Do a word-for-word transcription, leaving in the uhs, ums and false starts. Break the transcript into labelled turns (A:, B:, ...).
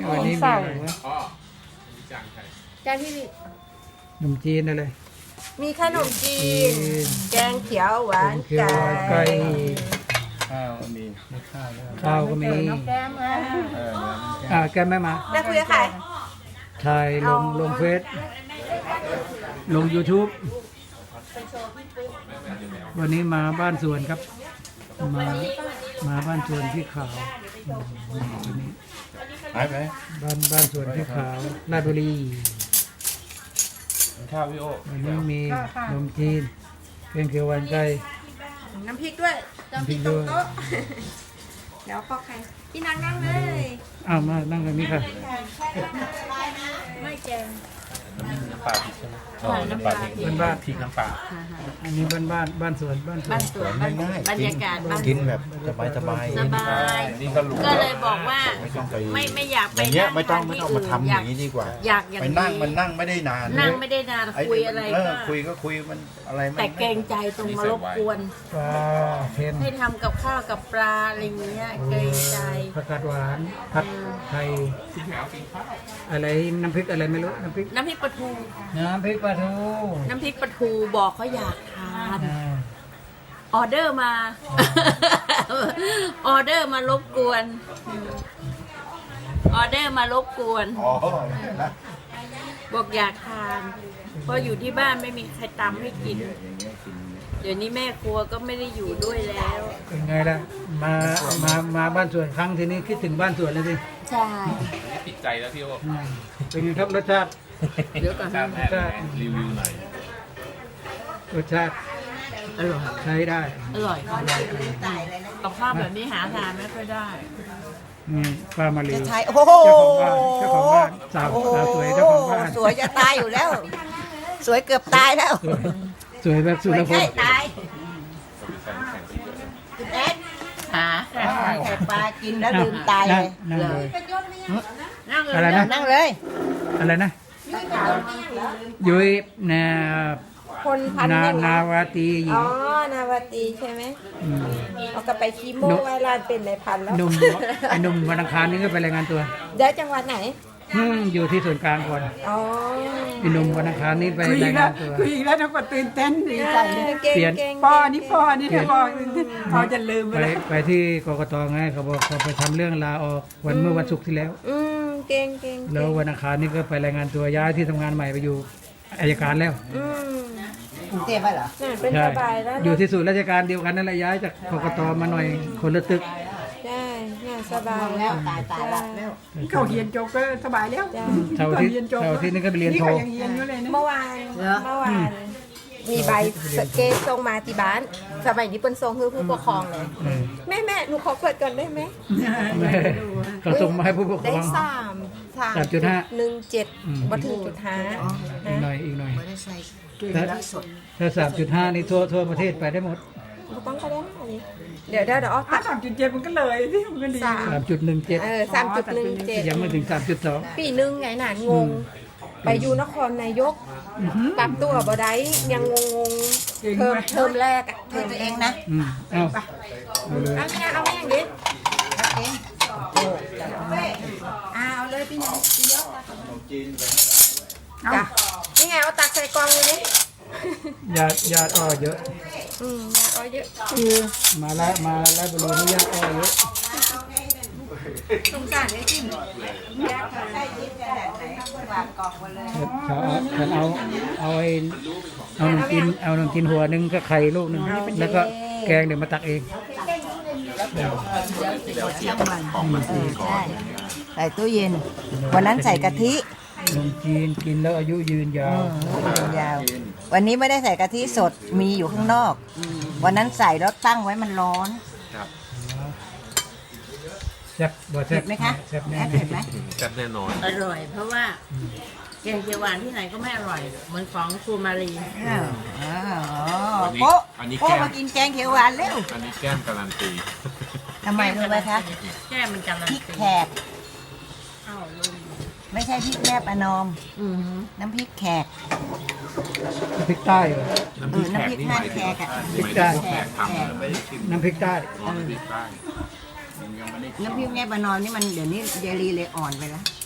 A: วันนี้มีอะไรวะ
B: อ๋อมีจานไข่
C: จานที่มี
A: ขนมจีนอะไร
C: มีขนมจีน
A: จีน
C: แกงเขียวหวาน
A: แกงเขียวหวานไก่
B: ข้าวมีไม่ข้าวแล้ว
A: ข้าวก็มี
C: แก้มมา
B: เออ
A: อ่าแกไม่มา
C: ได้คุยกับใคร
A: ถ่ายลงลงเฟซลง YouTube วันนี้มาบ้านสวนครับ มามาบ้านสวนพี่ขาวอืมวันนี้
B: หายไป
A: บ้านบ้านสวนพี่ขาวราชบุรี
B: ข้าวพี่โอ
A: วันนี้มีขนมจีนแกงเขียวหวานไก่
C: น้ำพริกด้วยน้ำพริกตรงโต๊ะเดี๋ยวพ่อใครพี่นางนั่งเลย
A: อ้าวมานั่งกันนี่ค่ะ
C: ไม่แกง
B: น้ำปลาพริกใช่ไหมอ๋อน้ำปลาพริก
A: บ้านบ้าน
B: พริกน้ำปลา
A: อันนี้บ้านบ้านบ้านสวนบ้านสวน
D: บ้านสวนบ้าน
E: ง่ายๆ
D: บรรยากาศบ้าน
E: กินแบบสบายสบาย
D: สบาย
B: นี่ก็รู้
D: ก็เลยบอกว่า
E: ไม่ต้องไป
D: ไม่ไม่อยาก
E: อ
D: ไป
E: ย่างเงี้ย
D: นั่ง
E: ไม่ต้อง
D: ทน
E: ไม่
D: ที่
E: ต้องมาทำอย่างนี้ดีกว่า
D: อยากอย่าง
E: ไป
D: นี้
E: นั่งมันนั่งไม่ได้นาน
D: นั่งไม่ได้นาน
E: ไอ้
D: คุยอะไร
E: เอ
D: ก็
E: อคุยก็คุยมันอะไรมัน
D: แต่เกรงใจตรงมารบกวน
A: ปลาเค็ม
D: ให้ทำกับข้าวกับปลาอะไรอย่างเงี้ยเกรงใจ
A: ผักกาดหวานผัดไทยอะไรน้ำพริกอะไรไม่รู้น้ำพริก
D: น้ำพริกปลาทู
A: น้ำพริกปลาทู
D: น้ำพริกปลาทูบอกเขาอยากทาน
A: อ่า
D: ออเดอร์มา ออเดอร์มารบกวนออเดอร์มารบกวน
E: อ๋อ
D: บอกอยากทานเพราะอยู่ที่บ้านไม่มีใครตำให้กิน เดี๋ยวนี้แม่ครัวก็ไม่ได้อยู่ด้วยแล้ว
A: เป็นไงล่ะมามามาบ้านสวนครั้งทีนี้คิดถึงบ้านสวนเลยสิ
D: ใช่
B: ติดใจแล้วพี่โอ
A: อืมเป็นไงครับรสชาติ
D: เดี๋ยวก่อน
B: ชาติแม่รีวิวหน่อย
A: รสชาติ
D: อร่อย
A: ใช้ได้
D: อร่อยกับข้าวแบบนี้หาทานไม่ค่อยได้
A: อืมปลามาลี
C: ใช่โอ้โห
A: เจ้าของบ้านเจ้าของบ้านสาวสาวสวยเจ้าของบ้าน
C: สวยจะตายอยู่แล้ว สวยเกือบตายแล้ว
A: สวยสวยแบบสุรพ
C: ใช่
A: ล
C: ตาย
D: คุณแอดหา
C: แค่ปลากินแล้วลืมตายเลย
A: นั่งเลย
D: นั่งเลย
A: อะไรนะ
C: นั่งเลย
A: อะไรนะยุ้ยนา
C: คนพัน
A: นา
C: ยังไง
A: นาวาตีหญิ
C: อ๋
A: ง
C: อ นาวาตีใช่ไหม
A: ม
C: เอากลับไปคีโมไว้ร้านเป็นในพันแล้ว
A: หนุ่มไอ้หนุ่มวันอังคารนี่ก็ไปรายงานตัว
C: เดี๋ยวจังหวัดไหน
A: อืมอยู่ที่ส่วนกลางก่อน
C: อ๋อ
A: ไอ้หนุ่มวันอังคารนี่ไปรายงานตัว
F: คุยอีกแล้วทั้งหมดตื่นเต้นดีใจ
C: เออเก่ง
A: เปลี่ยน
C: เก่ง
F: พ่อนี่พ่อนี่ถ้าพ่อพ่อจะลืมไป
A: ไป
F: แล้ว
A: ไปที่กกตไงเขาบอกเขาไปทำเรื่องลาออกวันเมื่อวันศุกร์ที่แล้ว
C: อืมเก่งเก่ง
A: แล้ววันอังคารนี่ก็ไปรายงานตัวย้ายที่ทำงานใหม่ไปอยู่อัยการแล้ว
C: อืม
F: กรุงเทพไปเหรอ
C: น่าเป็น
A: ใช่
C: สบายแล้ว
A: อยู่
C: เนาะ
A: ที่ศูนย์ราชการเดียวกันนั่นแหละย้ายจากกกตมาหน่อยคนละตึก
C: ใช่น่าสบาย
F: แล้วตายตายหลับแล้วเขาเฮียนจบก็สบายแล้ว
C: จ้ะ
A: เสาร์อาที่เสาร์อาที่นี่ก็ไปเรียนโท
F: เขายังเฮียนอยู่เลยนะ
C: เมื่อวานเมื่อวานมีใบเกสส่งมาที่บ้านสมัยนี้เป็นทรงคือผู้ปกครองเลย
A: เออ
C: แม่แม่หนูขอเปิดก่อนได้ไหม
A: เขาส่งมาให้ผู้ปกคร
C: ได้
A: อง
C: สามสาม
A: สามจุดห้า
C: หนึ่งเจ็ด
A: อืม
C: บัถึงจุดห้า
A: อีกหน่อยอีกหน่อย
D: ไม่ได้ใส่
A: ถ้าถ้าสามจุดห้านี่ทั่วทั่วประเทศไปได้หมด
C: ไม่ต้องก็ได้อันนี้เดี๋ยวเดี๋ยวเดี๋ยวเอา
F: ถ้า
C: ตัด
F: สามจุดเจ็ดมันก็เลยที่มันก็ดี
C: สาม
A: สามจุดหนึ่งเจ็ด
C: เออสามจุดหนึ่งเจ็ด
A: ยังไม่ถึงสามจุดสอง
C: ปีหนึ่งไงหนานงง ไปอยู่นครนายกปรับตัวบ่ได้ยังงงงๆเทอมเทอมแรกอะเทอมตัวเองนะ
A: อืมเอาเอาเลย
C: เอาไม่งั้นเอาไม่อย่างนี้เอาเอาเลยพี่น้องพี่ยกจ้ะนี่ไงเอาตักใส่กล่องเลยนี่
A: ญาติญาติอ้อเยอะ
C: อืมอย่าเอาเยอะ
A: คือมาละมาละบุรีนี่ญาติอ้อเยอะ
C: สงสารไอ้จิ้มยากค่ะใส่ยิ้มจะแบบไหนวางกล่องมาเลย
A: เขาเอาฉันเอาเอาไอ้เอาหนึ่งกินเอาหนึ่งกินหัวหนึ่งก็ไข่ลูกหนึ่งแล้วก็แกงเดี๋ยวมาตักเอง
G: ใส่ตู้เย็น วันนั้นใส่กะทิ
A: ขนมจีนกินแล้วอายุยืนยาว
G: ยาววันนี้ไม่ได้ใส่กะทิสดมีอยู่ข้างนอก วันนั้นใส่แล้วตั้งไว้มันร้อน
A: แซ่บบ่แซ่
G: เผ็
A: บ
G: ดไหมคะ
A: แซ่บแน่
G: แอดเผ็ดไหม
B: แซ่บแน่นอน
D: อร่อย เพราะว่าแกงเขียวหวานที่ไหนก็ไม่อร่อยเหมือนของครูมารี
G: อ้าวอ๋อ
B: อันนี้
G: โป๊ะ
B: อันนี้
G: โป๊ะ
B: แก้ม
G: มากินแกงเขียวหวานเร็ว
B: อันนี้แก้มการันตี
G: ทำไมรู้ไหมคะ
D: แก้มันการัน
G: พริก
D: ตี
G: แขก
D: อ้าวลุง
G: ไม่ใช่พริกแม่ประนอม
D: อือหือ
G: น้ำพริกแขก
A: พริกใต้เหรอ
B: น้ำพริกแขกนี่หมายถึง
G: เออน้ำพริกแขกอะ
B: หมายถึงแขกทำเหรอไม่ได้ชิม
A: น้ำพริกใต้
B: อ๋อน้ำพริกใต้
G: น้ำพริกแม่ประนอมนี่มันเดี๋ยวนี้เยลีเลยอ่อนไปแล้ว